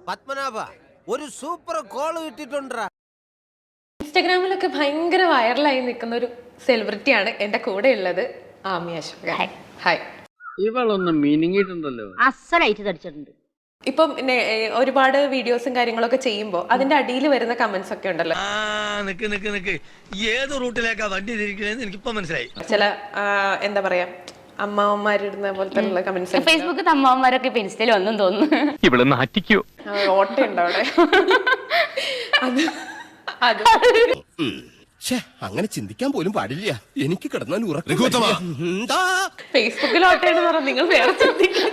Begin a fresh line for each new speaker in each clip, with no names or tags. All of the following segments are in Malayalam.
പത്മനാഭ ഒരു സൂപ്പർ കോൾ കിട്ടിട്ടുണ്ടാ.
ഇൻസ്റ്റാഗ്രാമിലൊക്കെ ഭയങ്കര വൈറലായി നിൽക്കുന്ന ഒരു സെലിബ്രിറ്റിയാണ് എന്റെ കൂടെ ഉള്ളത്. ആമി അശോക. ഹായ്.
ഇവളൊന്ന് മിനിങ്ങിട്ടുണ്ടല്ലോ.
അസലായിട്ട് തടിച്ചിട്ടുണ്ട്.
ഇപ്പം ഒരുപാട് വീഡിയോസും കാര്യങ്ങളൊക്കെ ചെയ്യുമ്പോൾ അതിന്റെ അടിയിൽ വരുന്ന കമന്റ്സ് ഒക്കെ ഉണ്ടല്ലോ.
നിക്ക് ഏത് റൂട്ടിലേക്കാ വണ്ടി തിരിക്കണേന്ന് എനിക്കിപ്പോ മനസ്സിലായി.
ചില എന്താ പറയാ അമ്മാവന്മാരിടുന്ന പോലത്തെ കമന്റ്സ്.
ഫേസ്ബുക്കിൽ അമ്മാവന്മാരൊക്കെ ഇപ്പൊ ഇൻസ്റ്റയിൽ ഒന്നും തോന്നുന്നു.
ഇവിടെ നാറ്റിക്കോ
ഓട്ടയുണ്ട് അവിടെ. അത്
അങ്ങനെ ചിന്തിക്കാൻ പോലും പാടില്ല. എനിക്ക് കിടന്നാൽ ഉറക്കം.
ഫേസ്ബുക്കിൽ ഓട്ടയെന്ന് പറഞ്ഞാൽ നിങ്ങൾ വേറെ ചിന്തിക്കും.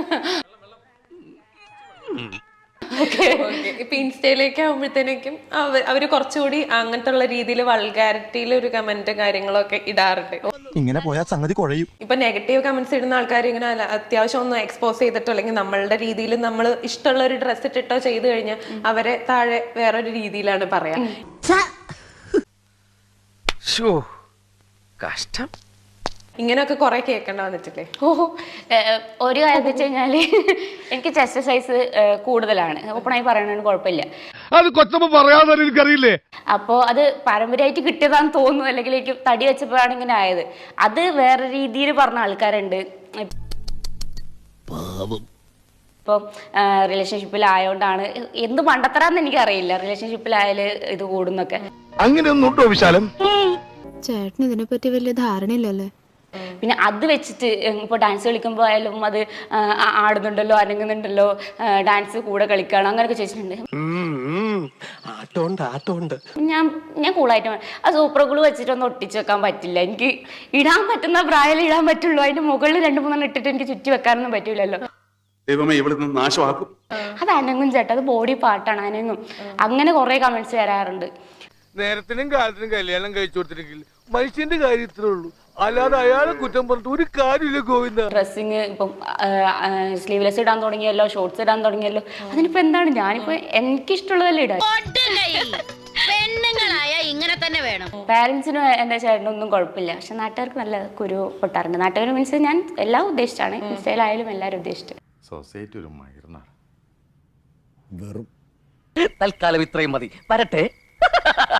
ഇപ്പൊ ഇൻസ്റ്റയിലേക്ക് ആകുമ്പോഴത്തേക്കും അവര് കുറച്ചുകൂടി അങ്ങനത്തെ ഉള്ള രീതിയിൽ വൾഗാരിറ്റിയിൽ ഒരു കമന്റ് കാര്യങ്ങളൊക്കെ ഇടാറുണ്ട്.
ഇങ്ങനെ പോയാൽ സംഗതി കുഴയും.
ഇപ്പൊ നെഗറ്റീവ് കമന്റ്സ് ഇടുന്ന ആൾക്കാർ ഇങ്ങനെ അത്യാവശ്യം ഒന്ന് എക്സ്പോസ് ചെയ്തിട്ടോ അല്ലെങ്കിൽ നമ്മളുടെ രീതിയിൽ നമ്മൾ ഇഷ്ടമുള്ള ഒരു ഡ്രസ്സ് ഇട്ടിട്ടോ ചെയ്തു കഴിഞ്ഞാൽ അവരെ താഴെ വേറൊരു രീതിയിലാണ് പറയാ.
കഷ്ടം.
ഇങ്ങനെയൊക്കെ കുറെ കേൾക്കേണ്ട വന്നിട്ടില്ലേ?
ഓഹോ, ഒരു കാര്യം വെച്ച് കഴിഞ്ഞാല് എനിക്ക് ചെസ്റ്റ് സൈസ് കൂടുതലാണ്. ഓപ്പണായി പറയണതിന് കുഴപ്പമില്ല.
അത് കൊച്ചമ്മ പറയാതെ എനിക്കറിയില്ലേ.
അപ്പോൾ അത് പാരമ്പര്യമായിട്ട് കിട്ടിയതാന്ന് തോന്നുന്നു, അല്ലെങ്കിൽ എനിക്ക് തടി വെച്ചപ്പോഴാണ് ഇങ്ങനെ ആയത്. അത് വേറെ രീതിയിൽ പറഞ്ഞ ആൾക്കാരുണ്ട്. ഇപ്പം റിലേഷൻഷിപ്പിലായോണ്ടാണ്, എന്ത് മണ്ടത്തരാന്ന് എനിക്കറിയില്ല, റിലേഷൻഷിപ്പിലായാല് ഇത് കൂടുന്നൊക്കെ.
അങ്ങനെയൊന്നും ഉണ്ടോ വിശാലം?
ചേട്ടന് ഇതിനെപ്പറ്റി വലിയ ധാരണയില്ലല്ലേ?
പിന്നെ അത് വെച്ചിട്ട് ഇപ്പോൾ ഡാൻസ് കളിക്കുമ്പോൾ ആയാലും അത് ആടുന്നുണ്ടല്ലോ, അനങ്ങുന്നുണ്ടല്ലോ, ഡാൻസ് കൂടെ കളിക്കണം അങ്ങനെയൊക്കെ ചോദിച്ചിട്ടുണ്ട്. ഞാൻ കൂളായിട്ട് ആ സൂപ്പർ ഗ്ലൂ വെച്ചിട്ടൊന്നും ഒട്ടിച്ച് വെക്കാൻ പറ്റില്ല. എനിക്ക് ഇടാൻ പറ്റുന്ന പ്രായം ഇടാൻ പറ്റുള്ളൂ. അതിന്റെ മുകളിൽ 2-3 ഇട്ടിട്ട് എനിക്ക് ചുറ്റി വെക്കാനൊന്നും പറ്റൂലല്ലോ. അത് അനങ്ങും ചേട്ടാ, അത് ബോഡി പാർട്ടാണ്, അനങ്ങും. അങ്ങനെ കുറെ കമന്റ്സ് വരാറുണ്ട്.
നേരത്തിനും കാലത്തിനും കല്യാണം കഴിച്ചു കൊടുത്തിട്ടെങ്കിൽ മനുഷ്യന്റെ കാര്യത്തിലേ ഉള്ളൂ, അല്ലാതെ അയാളെ കുറ്റം പറഞ്ഞിട്ട് ഒരു കാര്യമില്ല ഗോവിന്ദ.
ഡ്രസ്സിങ് ഇപ്പം സ്ലീവ്ലെസ് ഇടാൻ തുടങ്ങിയല്ലോ, ഷോർട്സ് ഇടാൻ തുടങ്ങിയല്ലോ. അതിനിപ്പോ എന്താണ്, ഞാനിപ്പോ എനിക്കിഷ്ടമുള്ളതല്ലേ ഇടാൻ.
ഇങ്ങനെ തന്നെ വേണം.
പാരന്റ്സിനും എന്റെ ചേട്ടനൊന്നും കുഴപ്പമില്ല, പക്ഷെ നാട്ടുകാർക്ക് നല്ല കുരു പൊട്ടാറുണ്ട്. നാട്ടുകാർ മീൻസ് ഞാൻ എല്ലാം ഉദ്ദേശിച്ചാണ്, ഇൻസ്റ്റയിലായാലും എല്ലാവരും ഉദ്ദേശിച്ചു.
സൊസൈറ്റി ഒരു മയർന്നാണ്.
തൽക്കാലം ഇത്രയും മതി. വരട്ടെ.